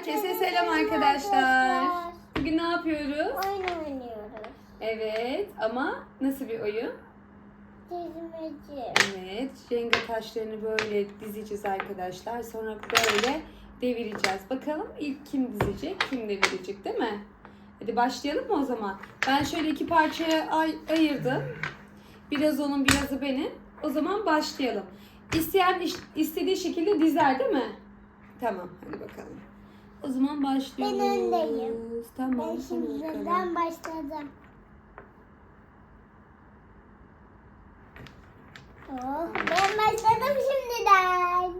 Herkese selam arkadaşlar. Bugün ne yapıyoruz? Oyun oynuyoruz. Evet ama nasıl bir oyun? Dizmeci. Evet, Jenga taşlarını böyle dizeceğiz arkadaşlar. Sonra böyle devireceğiz. Bakalım ilk kim dizecek, kim devirecek, değil mi? Hadi başlayalım mı o zaman? Ben şöyle iki parçaya ayırdım. Biraz onun, birazı benim. O zaman başlayalım. İsteyen istediği şekilde dizer, değil mi? Tamam, hadi bakalım. O zaman başlıyoruz. Ben öndeyim. Tamam, Ben şimdiden başladım. Oh, ben başladım şimdiden.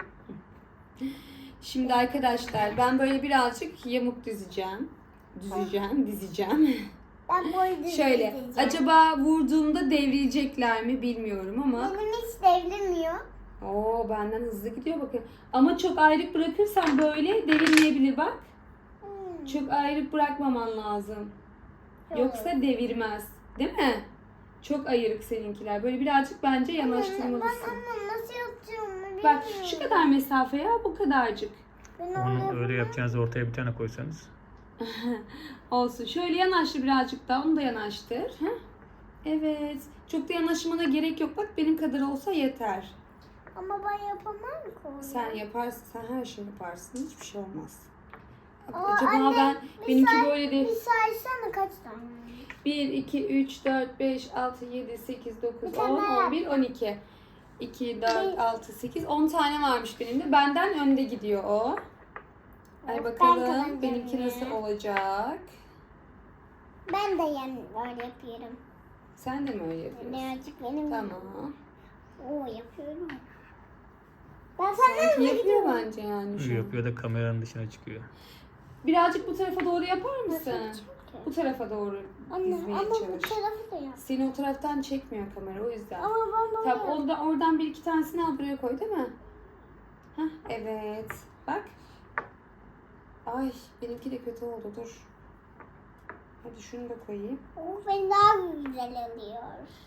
Şimdi arkadaşlar ben böyle birazcık yamuk dizeceğim. Dizeceğim. Ben boy Şöyle, acaba vurduğumda devrilecekler mi bilmiyorum ama. Benim hiç devrilmiyor. Oo, benden hızlı gidiyor bakın. Ama çok ayrık bırakırsan böyle devirmeyebilir bak. Çok ayrık bırakmaman lazım. Yoksa devirmez. Değil mi? Çok ayrık seninkiler. Böyle birazcık bence yanaştırmalısın. Ama nasıl yapacağım bilmiyorum. Bak şu kadar mesafe ya, bu kadarcık. Onu öyle yapacağınız ortaya bir tane koysanız. Olsun. Şöyle yanaştır birazcık daha. Onu da yanaştır. Heh. Evet. Çok da yanaşmana gerek yok. Bak benim kadar olsa yeter. Ama ben yapamam ki onu. Sen yaparsın. Sen her şeyi yaparsın. Hiçbir şey olmaz. Aa, Acaba anne, benimki böyle değil. Bir saysana kaç tane? 1, 2, 3, 4, 5, 6, 7, 8, 9, Bir 10, tane 11, 12. 2, 4, 6, 8, 10 tane varmış benim de. Benden önde gidiyor o. Hadi Ben bakalım kazanacağım benimki yine. nasıl olacak? Ben de öyle yapıyorum. Sen de mi öyle yapıyorsun? Birazcık benim. Tamam. Oo yapıyorum. Ben Sanki senden hızlı yapıyor gidiyorum. bence yani şu an. Yapıyor da kameranın dışına çıkıyor. Birazcık bu tarafa doğru yapar mısın? Nasıl Bu tarafa doğru Anne dizmeye ama bu çalış. tarafı da yap. Seni o taraftan çekmiyor kamera, o yüzden. Ama ben böyle Tamam, oradan bir iki tanesini al buraya koy, değil mi? Hah, evet. Bak. Ay, benimki de kötü oldu, dur. Hadi şunu da koyayım. O ben daha güzel oluyor.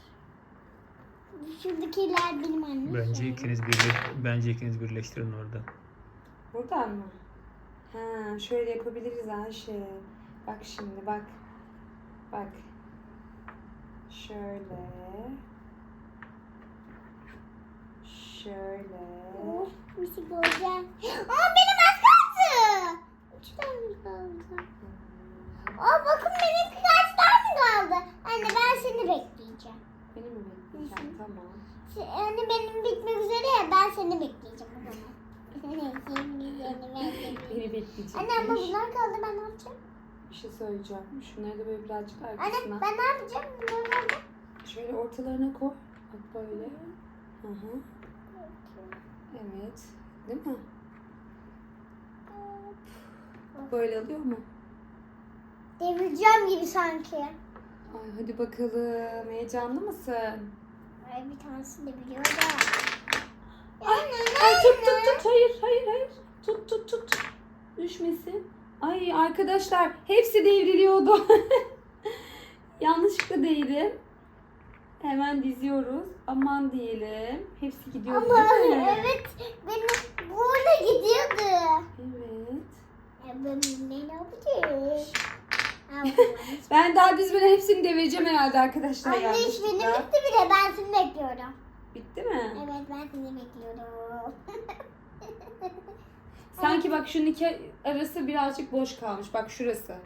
Şuradakiler benim annem. Bence ikiniz birleştirin orada. Buradan mı? Ha, şöyle yapabiliriz Ayşe. Bak şimdi, bak. Bak. Şöyle. Şöyle. Oh, bir şey göreceğim. Aa benim az kaldı. 3 tane kaldı. Aa bakın benim kaç tane kaldı. Anne ben seni bekleyeceğim. Beni mi bekleyeceksin? Tamam. Anne benim bitmek üzere ya ben seni bekleyeceğim o zaman. Beni bekleyecekmiş. Anne ama bunlar kaldı ben ne yapacağım? Bir şey söyleyeceğim. Şunları da böyle birazcık Anne arkasına. ben ne yapacağım? Bunları kaldı. Şöyle ortalarına koy. Bak böyle. Hı hı. Evet. Değil mi? Böyle alıyor mu? Devireceğim gibi sanki. Ay hadi bakalım. Heyecanlı mısın? Ay bir tanesi de biliyor da. Ay tut. Hayır. Tut. Düşmesin. Ay arkadaşlar hepsi devriliyordu. Yanlışlıkla değdim. Hemen diziyoruz. Aman diyelim. Hepsi gidiyor. Ama değil mi? evet benim burada gidiyordu. Evet. Ben ne yapacağım? Ben daha dizmeden hepsini devireceğim herhalde arkadaşlar. Anne iş benim yanlışlıkla. bitti bile ben seni bekliyorum. Bitti mi? Evet ben seni bekliyorum. Sanki bak şunun iki arası birazcık boş kalmış. Bak şurası.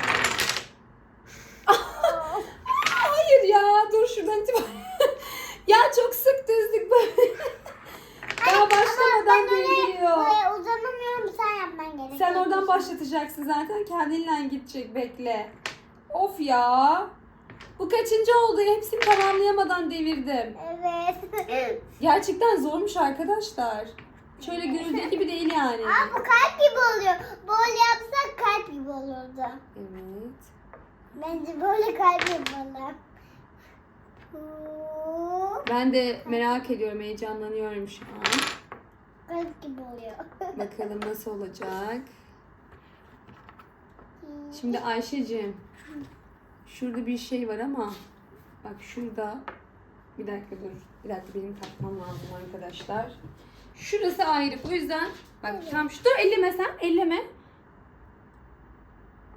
Hayır ya, dur şuradan itibaren. Ya çok sık dizdik böyle. Daha başlamadan devriliyor. Buraya uzanamıyorum sen yapman gerekiyor. Sen oradan başlatacaksın zaten. Kendinle gidecek, bekle. Of ya. Bu kaçıncı oldu? Hepsini tamamlayamadan devirdim. Evet. Gerçekten zormuş arkadaşlar. Şöyle görüldüğü gibi değil yani. Aa bu kalp gibi oluyor. Böyle yapsak kalp gibi olurdu. Evet. Bence böyle kalp yapalım. Ben de merak ediyorum, heyecanlanıyorum şu an. Kalp gibi oluyor. Bakalım nasıl olacak. Şimdi Ayşe'cim, şurada bir şey var ama bak şurada, bir dakika dur. Bir dakika benim takmam lazım arkadaşlar. Şurası ayrı. O yüzden bak tam şu, dur elleme sen, elleme.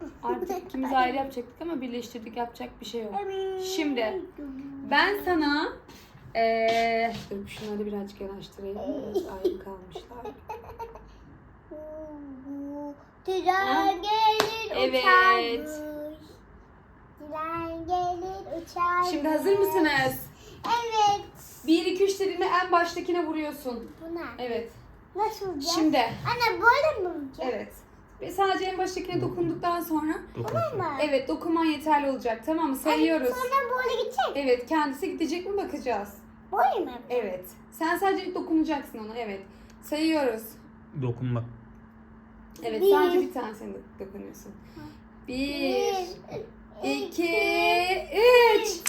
Artık ikimiz ayrı yapacaktık ama birleştirdik, yapacak bir şey yok. Şimdi ben sana dur şunları birazcık yanaştırayım. Biraz ayrı kalmışlar. Tren gelir Evet. uçarmış. Tren gelir uçarmış. Şimdi hazır mısınız? Evet. 1, 2, 3 dediğimde en baştakine vuruyorsun. Bu ne? Evet. Nasıl olacak? Şimdi Anne böyle mi olacak? evet. Ve sadece en baştakine dokunduktan sonra Dokunsun. Ama. evet dokunman yeterli olacak. Tamam mı? Sayıyoruz. Sonra böyle gidecek. Evet, kendisi gidecek mi bakacağız. Böyle mi? Evet. Sen sadece dokunacaksın ona. Evet. Sayıyoruz. Dokunmak. Evet, Bir. sadece bir tanesine dokunuyorsun. 1 2 3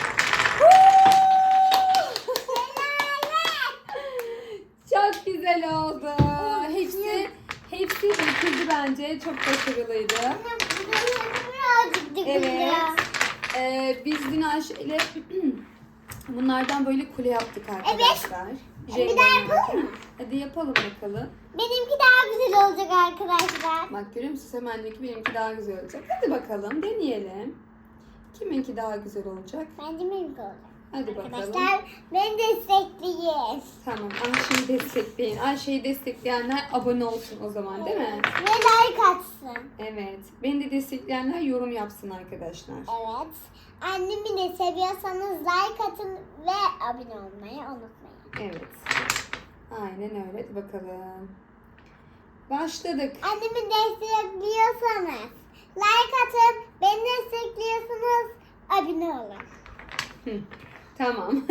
Çok güzel oldu. Hepsi bitirdi bence. Çok başarılıydı. Anne birazcık dikkat Evet. ya. Biz dün Ayşe'yle bunlardan böyle kule yaptık arkadaşlar. Bir Jenga daha oynarken. yapalım mı? Hadi yapalım bakalım. Benimki daha güzel olacak arkadaşlar. Bak görüyor musun? Hemen diyor ki benimki daha güzel olacak. Hadi bakalım deneyelim. Kiminki daha güzel olacak? Bence benimki olacak. Hadi bakalım. Arkadaşlar beni destekleyin. Tamam, Ayşe'yi destekleyin. Ayşe'yi destekleyenler abone olsun o zaman, değil mi? Ve like atsın. Evet. Beni de destekleyenler yorum yapsın arkadaşlar. Evet. Annemi de seviyorsanız like atın ve abone olmayı unutmayın. Evet. Aynen öyle. Hadi bakalım. Başladık. Annemi destekliyorsanız like atın, beni destekliyorsanız abone olun. Hı, tamam.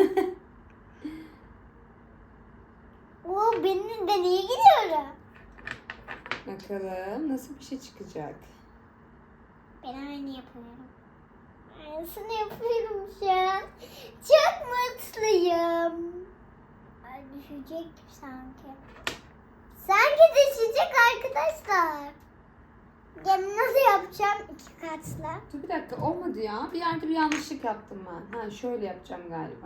Oo, ben iyi gidiyorum. Bakalım nasıl bir şey çıkacak. Ben aynı yapıyorum. Aynısını yapıyorum şu an. Çok mutluyum. Ay düşecek sanki. Sanki düşecek arkadaşlar. Ya nasıl yapacağım iki katlı? Dur bir dakika, olmadı ya. Bir yerde bir yanlışlık yaptım ben. Ha, şöyle yapacağım galiba.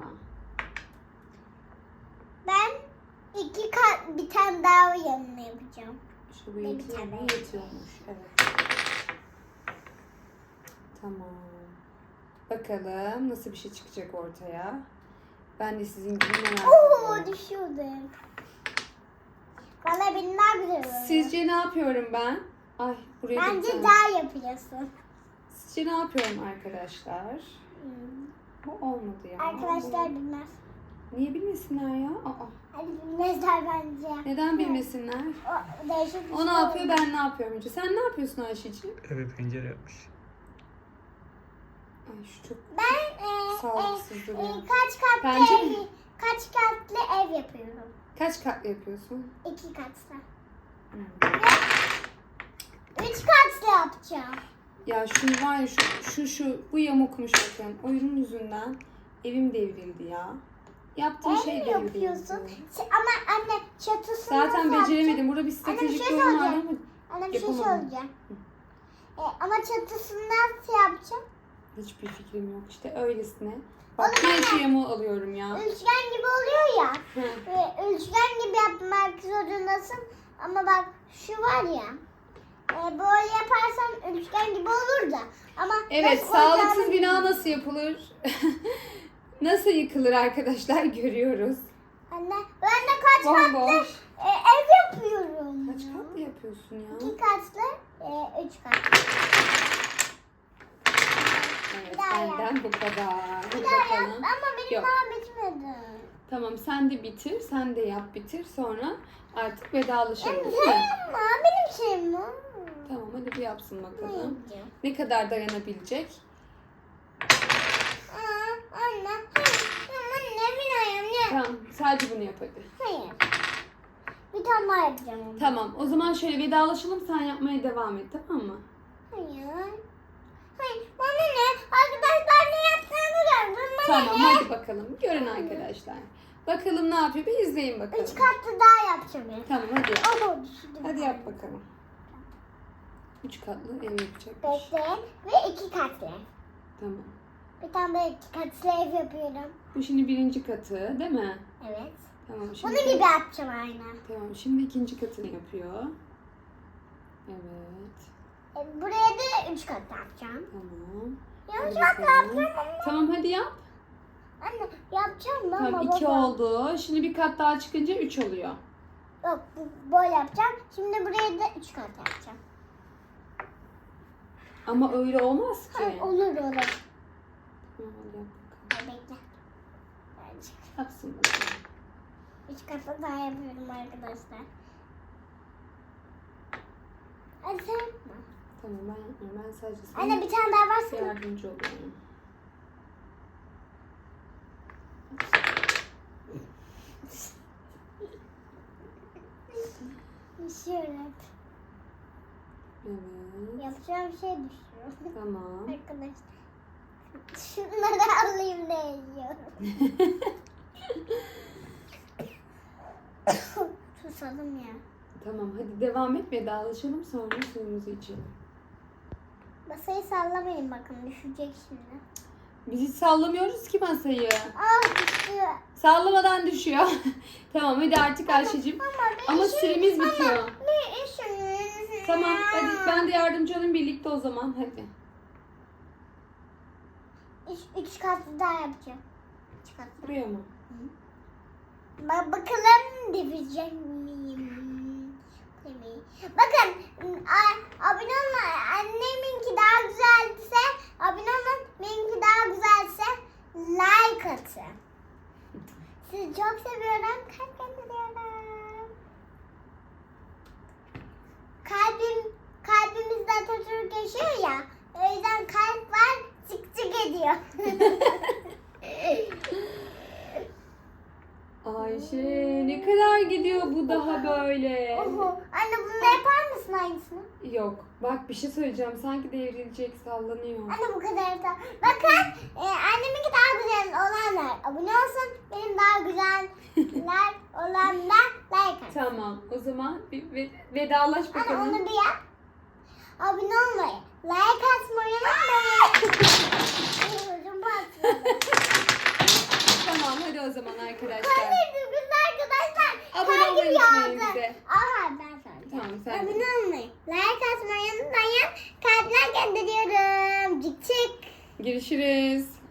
Ben iki kat bir tane daha yanına yapacağım. Şu Bir yetiyor tane. mu? Yetiyormuş. Evet. Tamam. Bakalım nasıl bir şey çıkacak ortaya. Ben de sizin gibi merak Oo ediyorum. düşüyordum. Valla benim daha güzel oluyor. Sizce ne yapıyorum ben? Ay buraya da bir Bence tane- daha yapıyorsun. Sizce ne yapıyorum arkadaşlar? Hmm. Bu olmadı ya. Arkadaşlar Bu- bilmez. Niye bilmesinler ya? Aa, Hadi bilmezler bence. neden bilmesinler? O değişik bir O şey ne yapıyor, oldu. ben ne yapıyorum önce? Sen ne yapıyorsun Ayşeciğim? Eve pencere yapmış. Ay şu çok Ben sağlıksız duruyor. kaç katlı Bence ev, mi? kaç katlı ev yapıyorum. Kaç katlı yapıyorsun? 2 katlı. Hmm. 3 katlı yapacağım. Ya şu var ya şu bu yamukmuş bakın. Oyunun yüzünden evim devrildi ya. Yaptığım Ev şey mi devrildi. yapıyorsun? Ama anne çatısını nasıl Zaten yapacağım? beceremedim. Burada bir Anne bir stratejik şey bir oyun var soracağım. ama Anne bir şey yapamadım. söyleyeceğim. Ama çatısını nasıl yapacağım? hiçbir fikrim yok. İşte öylesine. Bak yine şu yamuğu alıyorum ya. Üçgen gibi oluyor ya. Hı. Üçgen gibi yapmak zorundasın. Ama bak şu var ya. Böyle yaparsan üçgen gibi olur da. Ama Evet, nasıl sağlıksız olacağını bina nasıl yapılır? Nasıl yıkılır arkadaşlar görüyoruz. Anne ben de kaç katlı Bomboş. ev yapıyorum. Kaç katlı yapıyorsun ya? 2 katlı, 3 katlı. Evet, Bir daha yap. benden bu kadar. Hadi Bir daha yap bakalım. ama benim Yok. daha bitmedi. Tamam, sen de bitir, sen de yap bitir. Sonra artık vedalaşalım Benim değil mi? şeyim var, benim şeyim var. Tamam, hadi bir yapsın Ne bakalım. yapacağım? Ne kadar dayanabilecek? Anne, anne bir ayağım ne? Tamam, sadece bunu yap hadi. Hayır. Bir tane daha yapacağım onu. Tamam, o zaman şöyle vedalaşalım, sen yapmaya devam et, tamam mı? Hayır. Hayır. Bana ne? Arkadaşlar ne yaptığını gördüm. Bana Tamam, ne? hadi bakalım. Görün arkadaşlar. Bakalım ne yapıyor, bir izleyin bakalım. 3 katlı daha yapacağım. Yani. Tamam, hadi yap. Oh, düşürdüm. Hadi yap bakalım. 3 katlı ev yapacakmış. Bekleyin. Ve 2 katlı. Tamam. Bir tane böyle 2 katlı ev yapıyorum. Bu şimdi birinci katı, değil mi? Evet. Tamam, şimdi... Bunu gibi yapacağım aynen. Tamam, şimdi ikinci katını yapıyor. Evet. Buraya da 3 kat yapacağım. Tamam. Yanlış Hadi kat bakalım. yapacağım ama. Tamam hadi yap. Anne yapacağım da Tamam ama 2 baba. oldu. Şimdi bir kat daha çıkınca 3 oluyor. Yok böyle yapacağım. Şimdi buraya da 3 kat yapacağım. Ama öyle olmaz ki. Ha, olur olur. Tamam, hadi yap bakalım. Bekle. Bence. Yapsın bakalım. 3 katı daha yapıyorum arkadaşlar. Hadi sen yapma. Tamam ben yapmıyorum. Ben sadece sana Anne bir tane daha varsana. yardımcı oluyorum. Düşüyor hep. Evet. Yapacağım şey düşüyor. Tamam. Arkadaşlar. Şunları alayım da yiyorum. Susadım ya. Tamam hadi devam et, vedalaşalım sonra suyumuzu içelim. Masayı sallamayın bakın düşecek şimdi. Biz hiç sallamıyoruz ki masayı. Ah düştü. Sallamadan düşüyor. Tamam hadi artık Ayşe'cim. Ama süremiz bitiyor. Ne işin? Tamam hadi ben de yardımcı olayım birlikte o zaman hadi. 3 katlı daha yapacağım. 3 katlı. Buraya mı? Bakalım devirecek miyim? Bakın abone olma, anneminki daha güzelse abone olun, benimki daha güzelse like atın. Sizi çok seviyorum. Kalp gönderiyorum. Kalbimizde Atatürk yaşıyor ya. O yüzden kalp var, çık çık ediyor. Ayşe ne kadar gidiyor bu daha böyle. Oho. Anne bunu da yapar mısın aynısını? Yok bak bir şey söyleyeceğim sanki devrilecek sallanıyor. Anne bu kadar da. Bakın anneminki daha güzel olanlar abone olsun. Benim daha güzeller olanlar like atın. Tamam o zaman bir vedalaş Anne bakalım. onu bir yap. Abone olmayı, like atmayı unutmayın. Ucum patladı. Tamam hadi o zaman arkadaşlar. Hadi güzel arkadaşlar. Abone olmayı Kalbim unutmayın yağdı. bize. Aha ben söyleyeceğim. Tamam sen. Abone olmayı, like atmayı unutmayın. Kalpler gönderiyorum. Cik cik. Görüşürüz.